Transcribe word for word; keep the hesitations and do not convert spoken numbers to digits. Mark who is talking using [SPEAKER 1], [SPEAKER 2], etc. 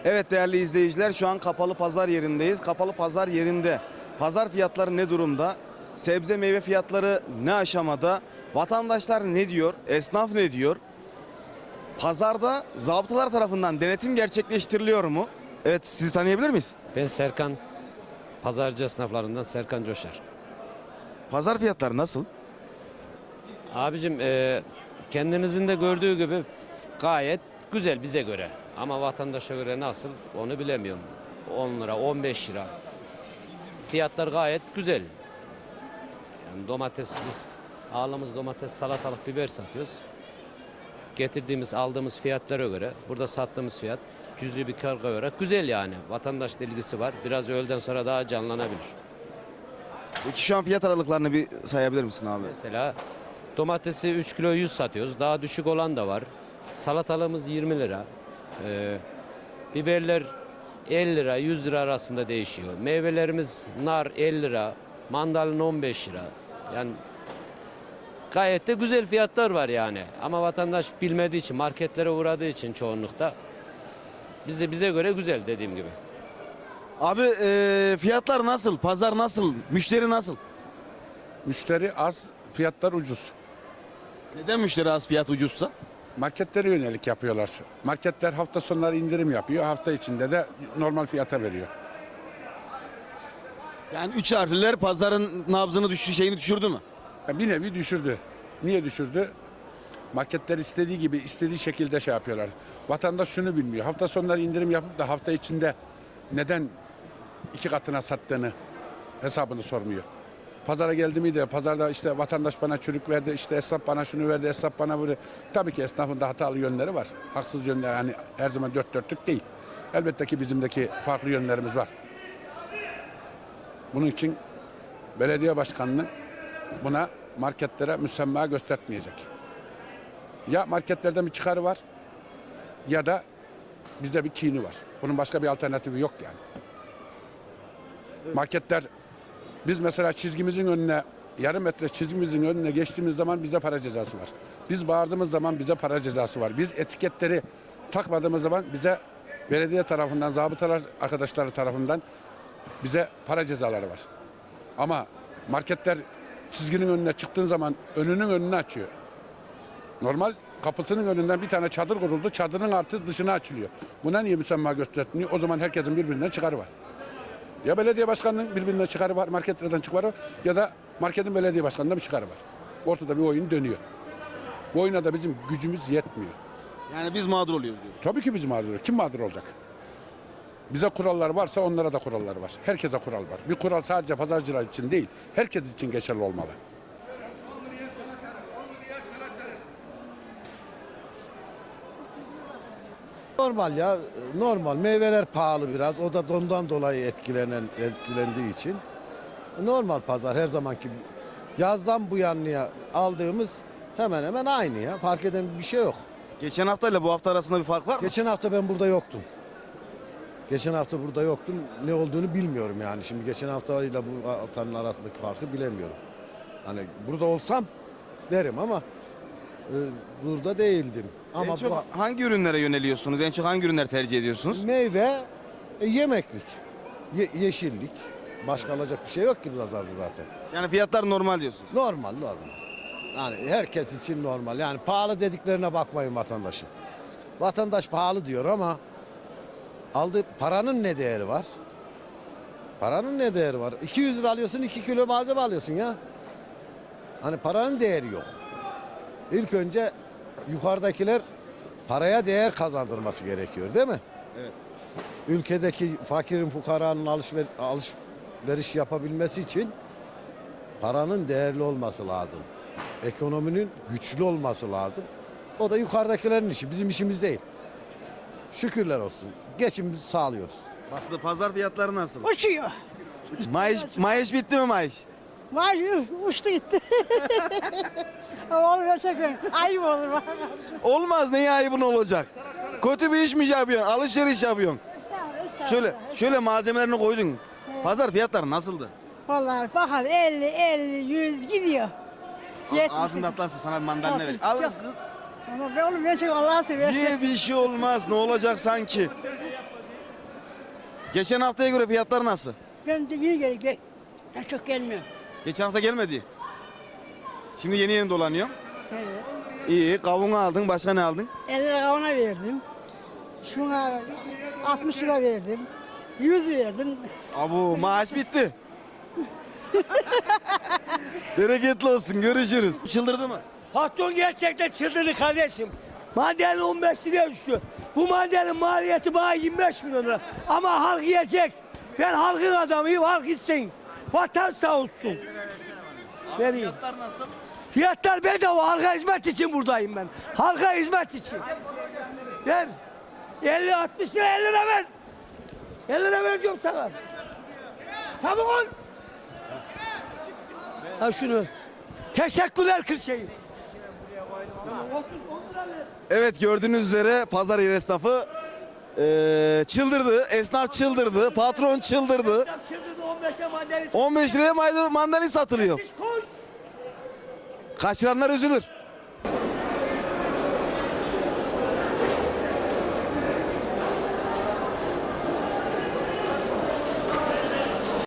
[SPEAKER 1] Evet değerli izleyiciler, şu an kapalı pazar yerindeyiz. Kapalı pazar yerinde pazar fiyatları ne durumda? Sebze meyve fiyatları ne aşamada? Vatandaşlar ne diyor? Esnaf ne diyor? Pazarda zabıtalar tarafından denetim gerçekleştiriliyor mu? Evet, sizi tanıyabilir miyiz?
[SPEAKER 2] Ben Serkan, pazarcı esnaflarından Serkan Coşar.
[SPEAKER 1] Pazar fiyatları nasıl?
[SPEAKER 2] Abicim e, kendinizin de gördüğü gibi gayet güzel bize göre. Ama vatandaşa göre nasıl onu bilemiyorum. on lira, on beş lira. Fiyatlar gayet güzel. Yani domates, biz ağırlığımız domates, salatalık, biber satıyoruz. Getirdiğimiz, aldığımız fiyatlara göre, burada sattığımız fiyat cüzi bir karga göre güzel yani. Vatandaş ilgisi var. Biraz öğleden sonra daha canlanabilir.
[SPEAKER 1] Peki şu an fiyat aralıklarını bir sayabilir misin abi?
[SPEAKER 2] Mesela domatesi üç kilo yüz satıyoruz. Daha düşük olan da var. Salatalığımız yirmi lira. Ee, biberler elli lira, yüz lira arasında değişiyor. Meyvelerimiz nar elli lira, mandalina on beş lira. Yani gayet de güzel fiyatlar var yani. Ama vatandaş bilmediği için, marketlere uğradığı için çoğunlukta bize bize göre güzel dediğim gibi.
[SPEAKER 1] Abi e, fiyatlar nasıl? Pazar nasıl? Müşteri nasıl?
[SPEAKER 3] Müşteri az, fiyatlar ucuz.
[SPEAKER 1] Neden müşteri az, fiyat ucuzsa?
[SPEAKER 3] Marketlere yönelik yapıyorlar. Marketler hafta sonları indirim yapıyor. Hafta içinde de normal fiyata veriyor.
[SPEAKER 1] Yani üç harfliler pazarın nabzını düştü, şeyini düşürdü mü?
[SPEAKER 3] Yani bir nevi düşürdü. Niye düşürdü? Marketler istediği gibi, istediği şekilde şey yapıyorlar. Vatandaş şunu bilmiyor. Hafta sonları indirim yapıp da hafta içinde neden iki katına sattığını hesabını sormuyor. Pazara geldi miydi? Pazarda işte vatandaş bana çürük verdi, işte esnaf bana şunu verdi, esnaf bana bunu. Tabii ki esnafın da hatalı yönleri var. Haksız yönleri, hani her zaman dört dörtlük değil. Elbette ki bizimdeki farklı yönlerimiz var. Bunun için belediye başkanının buna marketlere müsemma göstermeyecek. Ya marketlerden bir çıkarı var ya da bize bir kini var. Bunun başka bir alternatifi yok yani. Marketler, biz mesela çizgimizin önüne, yarım metre çizgimizin önüne geçtiğimiz zaman bize para cezası var. Biz bağırdığımız zaman bize para cezası var. Biz etiketleri takmadığımız zaman bize belediye tarafından, zabıtalar arkadaşları tarafından bize para cezaları var. Ama marketler çizginin önüne çıktığın zaman önünün önünü açıyor. Normal kapısının önünden bir tane çadır kuruldu. Çadırın artı dışına açılıyor. Buna niye müsemma göstermiyor? O zaman herkesin birbirinden çıkarı var. Ya belediye başkanının birbirinden çıkarı var, marketlerden çıkarı var ya da marketin belediye başkanından bir çıkarı var. Ortada bir oyun dönüyor. Bu oyuna da bizim gücümüz yetmiyor.
[SPEAKER 1] Yani biz mağdur oluyoruz diyorsun.
[SPEAKER 3] Tabii ki biz mağdur oluyoruz. Kim mağdur olacak? Bize kurallar varsa onlara da kurallar var. Herkese kural var. Bir kural sadece pazarcılar için değil, herkes için geçerli olmalı.
[SPEAKER 4] Normal ya, normal. Meyveler pahalı biraz. O da ondan dolayı etkilenen etkilendiği için. Normal pazar her zamanki. Yazdan bu yanlıya aldığımız hemen hemen aynı ya. Fark eden bir şey yok.
[SPEAKER 1] Geçen haftayla bu hafta arasında bir fark var mı?
[SPEAKER 4] Geçen hafta ben burada yoktum. Geçen hafta burada yoktum. Ne olduğunu bilmiyorum yani. Şimdi geçen haftayla bu haftanın arasındaki farkı bilemiyorum. Hani burada olsam derim ama e, burada değildim. Ama
[SPEAKER 1] En çok
[SPEAKER 4] bu,
[SPEAKER 1] hangi ürünlere yöneliyorsunuz? En çok hangi ürünleri tercih ediyorsunuz?
[SPEAKER 4] meyve, e, yemeklik, ye- yeşillik. Başka alacak bir şey yok ki bu pazarda zaten.
[SPEAKER 1] Yani fiyatlar normal diyorsunuz.
[SPEAKER 4] Normal, normal. Yani herkes için normal. Yani pahalı dediklerine bakmayın vatandaşın. Vatandaş pahalı diyor ama aldığı paranın ne değeri var? Paranın ne değeri var? iki yüz lira alıyorsun, iki kilo malzeme alıyorsun ya. Hani paranın değeri yok. İlk önce yukarıdakiler paraya değer kazandırması gerekiyor değil mi?
[SPEAKER 1] Evet.
[SPEAKER 4] Ülkedeki fakirin, fukaranın alışver alışveriş yapabilmesi için paranın değerli olması lazım. Ekonominin güçlü olması lazım. O da yukarıdakilerin işi, bizim işimiz değil. Şükürler olsun. Geçimimizi sağlıyoruz.
[SPEAKER 1] Bak, pazar fiyatları nasıl?
[SPEAKER 5] Uçuyor.
[SPEAKER 1] Maaş, maaş bitti mi maaş?
[SPEAKER 5] Var uçtu gitti. Olmuyor çok öyle. Ayıp olur bana.
[SPEAKER 1] Olmaz, neye ayıbın olacak? Kötü bir iş mi yapıyorsun? Alışveriş yapıyorsun. Şöyle, şöyle malzemelerini koydun. Pazar fiyatları nasıldı?
[SPEAKER 5] Vallahi bakar elli, elli, yüz gidiyor. Yetmiş.
[SPEAKER 1] Ağzında atlarsın, sana bir mandalina ver. Al
[SPEAKER 5] Yok.
[SPEAKER 1] kız.
[SPEAKER 5] Ama ben oğlum ben çok Allah'a seversen.
[SPEAKER 1] Ye, bir şey olmaz. Ne olacak sanki? Geçen haftaya göre fiyatlar nasıl?
[SPEAKER 5] Ben de yeni geldim. Ben çok gelmiyorum.
[SPEAKER 1] Geçen hafta gelmedi. Şimdi yeni yeni dolanıyor.
[SPEAKER 5] Evet.
[SPEAKER 1] İyi. Kavun aldın. Başka ne aldın?
[SPEAKER 5] elli lira kavuna verdim. Şuna altmış lira verdim. yüz verdim.
[SPEAKER 1] Abu maaş bitti. Bereketli olsun. Görüşürüz. Çıldırdı mı?
[SPEAKER 6] Patron gerçekten çıldırdı kardeşim. Mandalina on beş liraya düştü. Bu mandalina maliyeti bana yirmi beş milyon lira. Ama halk yiyecek. Ben halkın adamıyım, halk içsin. Vatan sağ olsun. Vereyim.
[SPEAKER 1] Fiyatlar nasıl?
[SPEAKER 6] Fiyatlar bedava, halka hizmet için buradayım ben. Halka hizmet için. Ver. elli altmış lira elli lira ver. elli lira ver diyorum sana. Çabuk ol. Ha şunu. Teşekkürler Kırşehir.
[SPEAKER 1] Evet, gördüğünüz üzere pazar yeri esnafı eee, çıldırdı. Esnaf çıldırdı. Patron çıldırdı.
[SPEAKER 6] Çıldırdı on beşe mandalina.
[SPEAKER 1] on beş liraya maydanoz mandalin satılıyor.
[SPEAKER 6] Koş.
[SPEAKER 1] Kaçıranlar üzülür.